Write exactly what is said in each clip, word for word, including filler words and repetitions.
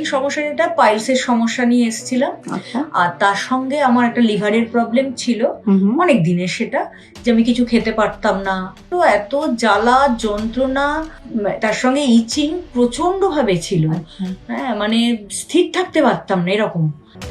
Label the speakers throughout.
Speaker 1: সমস্যা যেটা পাইলসের সমস্যা নিয়ে এসেছিলাম।
Speaker 2: আচ্ছা।
Speaker 1: আর তার সঙ্গে আমার একটা লিভারের প্রবলেম ছিল অনেক দিনের, সেটা যে আমি কিছু খেতে পারতাম না, তো এত জ্বালা যন্ত্রণা, উম, তার সঙ্গে ইচিং প্রচন্ড ভাবে ছিল।
Speaker 2: আচ্ছা।
Speaker 1: হ্যাঁ, মানে স্থির থাকতে পারতাম না এরকম।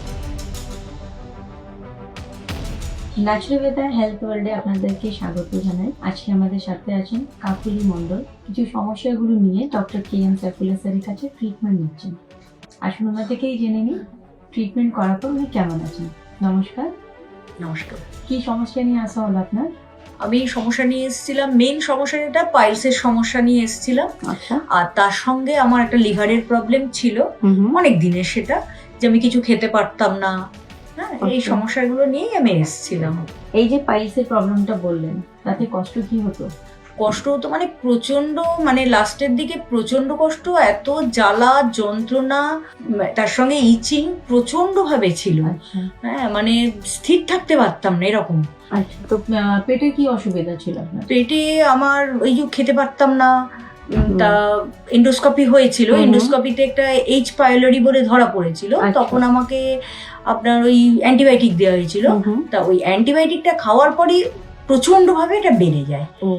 Speaker 2: ন্যাচুরাল হেলথ ওয়ার্ল্ডে আপনাদেরকে স্বাগত জানাই। আজকে আমাদের সাথে আছেন কাকুলি মণ্ডল। কিছু সমস্যাগুলো নিয়ে ডক্টর কে এম সাইফুল্লাহ স্যারের কাছে ট্রিটমেন্ট নিচ্ছেন। আসুন ওনার থেকেই জেনে নিই ট্রিটমেন্ট করার পর উনি কেমন আছেন। নমস্কার।
Speaker 1: নমস্কার।
Speaker 2: কি সমস্যা নিয়ে আসা হলো আপনার?
Speaker 1: আমি সমস্যা নিয়ে এসেছিলাম, মেন সমস্যা যেটা পাইলসের সমস্যা নিয়ে এসেছিলাম।
Speaker 2: আচ্ছা।
Speaker 1: আর তার সঙ্গে আমার একটা লিভারের প্রবলেম ছিল অনেক দিনের, সেটা যে আমি কিছু খেতে পারতাম না। হ্যাঁ, এই
Speaker 2: আচ্ছা।
Speaker 1: সমস্যাগুলো নিয়েই আমি এসেছিলাম।
Speaker 2: এই যে পাইলসের প্রবলেমটা বললেন, তাতে কষ্ট কি হতো?
Speaker 1: কষ্ট হতো মানে প্রচন্ড, মানে লাস্টের দিকে প্রচন্ড কষ্ট, এত জ্বালা যন্ত্রণা, উম, তার সঙ্গে ইচিং প্রচন্ড ভাবে ছিল।
Speaker 2: আচ্ছা।
Speaker 1: হ্যাঁ, মানে স্থির থাকতে পারতাম না এরকম।
Speaker 2: আচ্ছা, তো আহ, পেটে কি অসুবিধা ছিল আপনার?
Speaker 1: পেটে আমার ওই যে খেতে পারতাম না, উম,
Speaker 2: হুম।
Speaker 1: তা এন্ডোস্কোপি হয়েছিল।
Speaker 2: হুম।
Speaker 1: এন্ডোস্কোপিতে একটা এইচ পাইলোরি বলে ধরা পড়েছিল।
Speaker 2: আচ্ছা।
Speaker 1: তখন আমাকে আপনার ওই অ্যান্টিবায়োটিক দেওয়া হয়েছিল।
Speaker 2: হুম।
Speaker 1: তা ওই অ্যান্টিবায়োটিকটা খাওয়ার পরই প্রচন্ড ভাবে এটা বেড়ে যায়।
Speaker 2: ও,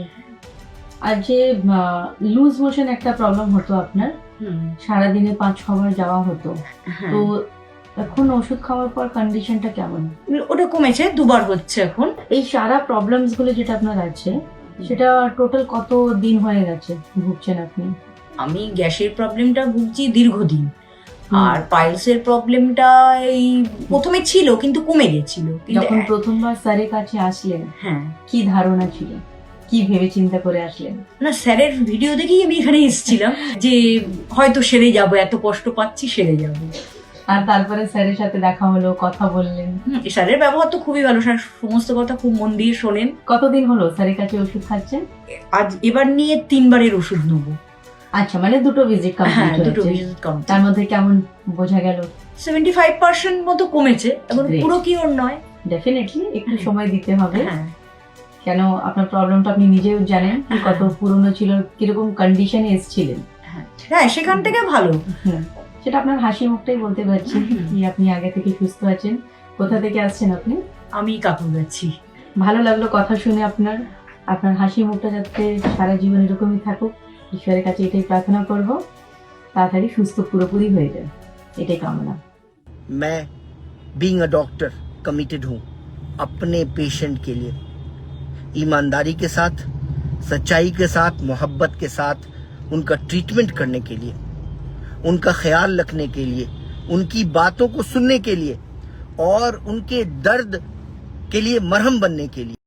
Speaker 2: আর যে লুজ মোশন একটা প্রবলেম হতো আপনার, সারাদিনে পাঁচ ছবার যাওয়া হতো,
Speaker 1: হ্যাঁ,
Speaker 2: তো এখন ওষুধ খাওয়ার পর কন্ডিশনটা কেমন?
Speaker 1: ওটা কমেছে, দুবার হচ্ছে এখন।
Speaker 2: এই সারা প্রবলেমস গুলো যেটা আপনার আছে, সেটা টোটাল কত দিন হয়ে গেছে ভুগছেন আপনি?
Speaker 1: আমি গ্যাসের প্রবলেমটা ভুগছি দীর্ঘদিন।
Speaker 2: হুম।
Speaker 1: আর পাইলসের প্রবলেমটা এই প্রথমে ছিল কিন্তু কমে গেছিল। কিন্তু
Speaker 2: যখন প্রথমবার স্যারের কাছে আসলেন,
Speaker 1: হ্যাঁ,
Speaker 2: কি ধারণা ছিল, কি ভেবে চিন্তা করে আসলেন?
Speaker 1: না, স্যারের ভিডিও দেখেই আমি এখানে এসেছিলাম যে হয়তো সেরে যাব, এত কষ্ট পাচ্ছি সেরে যাব।
Speaker 2: আর তারপরে স্যারের সাথে দেখা হলো, কথা বললেন।
Speaker 1: হুম, স্যারের ব্যবহার তো খুবই ভালো, স্যার সমস্ত কথা খুব মন দিয়ে শোনেন।
Speaker 2: কতদিন হলো স্যারের কাছে ওষুধ খাচ্ছেন?
Speaker 1: আজ এবার নিয়ে তিনবারের ওষুধ নেবো।
Speaker 2: আচ্ছা, মানে দুটো ভিজিট
Speaker 1: হ্যাঁ,
Speaker 2: কমপ্লিট
Speaker 1: দুটো
Speaker 2: হয়েছে।
Speaker 1: Visit complete.
Speaker 2: তার মধ্যে কেমন বোঝা গেল?
Speaker 1: সেভেন্টি ফাইভ পার্সেন্ট মতো কমেছে, এখন
Speaker 2: Great.
Speaker 1: পুরো কি ওর নয়।
Speaker 2: ডেফিনেটলি একটু সময় দিতে হবে,
Speaker 1: হ্যাঁ,
Speaker 2: কেন আপনার প্রবলেমটা আপনি নিজেও জানেন কি কত পুরনো ছিল, কিরকম কন্ডিশনে এসেছিলেন।
Speaker 1: হ্যাঁ, হ্যাঁ, সেখান থেকে ভালো।
Speaker 2: হুম, সেটা আপনার হাসি মুখটাই বলতে পারছি কি আপনি আগে থেকে সুস্থ আছেন। কোথা থেকে আসছেন আপনি?
Speaker 1: আমি কাকুর যাচ্ছি।
Speaker 2: ভালো লাগলো কথা শুনে আপনার। আপনার হাসি মুখটা যাতে সারা জীবন এরকমই থাকুক, ঈশ্বরের কাছে এটাই প্রার্থনা করব, তাড়াতাড়ি সুস্থ পুরোপুরি হয়ে যায়, এটাই কামনা।
Speaker 3: मैं बीइंग अ डॉक्टर कमिटेड हूँ अपने पेशेंट के लिए, ईमानदारी के साथ, सच्चाई के साथ, मोहब्बत के साथ उनका ट्रीटमेंट करने के लिए, उनका ख्याल रखने के लिए, उनकी बातों को सुनने के लिए और उनके दर्द के लिए मरहम बनने के लिए।